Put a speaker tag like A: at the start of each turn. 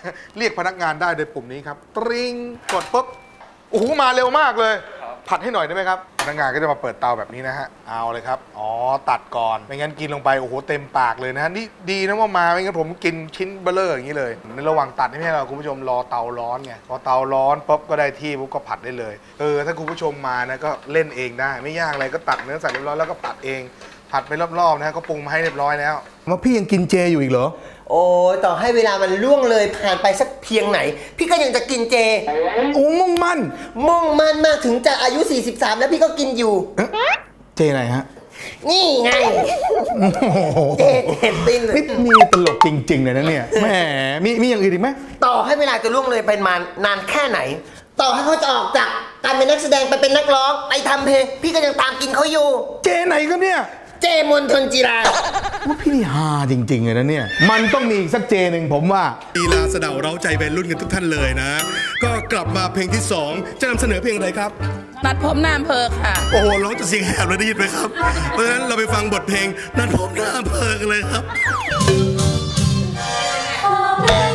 A: เรียกพนักงานได้โดยปุ่มนี้ครับตริงกดปุ๊บโอ้โหมาเร็วมากเลยผัดให้หน่อยได้ไหมครับพนักงานก็จะมาเปิดเตาแบบนี้นะฮะเอาเลยครับอ๋อตัดก่อนไม่งั้นกินลงไปโอ้โหเต็มปากเลยนะนี่ดีนะว่ามาไม่งั้นผมกินชิ้นเบลเลอร์อย่างนี้เลยในระหว่างตัดนี่ให้เราคุณผู้ชมรอเตาร้อนไงพอเตาร้อนปุ๊บก็ได้ที่ปุ๊บก็ผัดได้เลยถ้าคุณผู้ชมมานะก็เล่นเองได้ไม่ยากอะไรก็ตัดเนื้อสัตว์เรียบร้อยแล้วก็ผัดเองผัดไปรอบๆนะก็ปรุงมาให้เรียบร้อยแล้วมาพี่ยังกินเจอยู่อีกเหรอ
B: โอ้ยต่อให้เวลามันล่วงเลยผ่านไปสักเพียงไหนพี่ก็ยังจะกินเจ
A: โอ้มุ่งมั่น
B: มากถึงจะอายุ43แล้วพี่ก็กินอยู่
A: เจไหนฮะ
B: นี่ไงเจติน
A: นี่มีตลกจริงๆเลยนะเนี่ยแหมมีอย่างอื่นอีกไหม
B: ต่อให้เวลาจะล่วงเลยไปนานแค่ไหนต่อให้เขาจะออกจากการเป็นนักแสดงไปเป็นนักร้องไปทำเพลงพี่ก็ยังตามกินเขาอยู่
A: เจไหนครับเนี่ย
B: เจมนทนจีรา
A: ว่าพี่นี่ฮาจริงๆเลยนะเนี่ยมันต้องมีอีกสักเจหนึ่งผมว่าลีลาสะเดาเร้าใจวัยรุ่นกันทุกท่านเลยนะก็กลับมาเพลงที่2จะนำเสนอเพลงอะไรครับ
C: นัดพบหน้าอำเภอค่ะ
A: โอ้โหร้องจะเสียงแหบเลยได้ยินไหมครับเพราะฉะนั้นเราไปฟังบทเพลงนัดพบหน้าอำเภอกันเลยครับ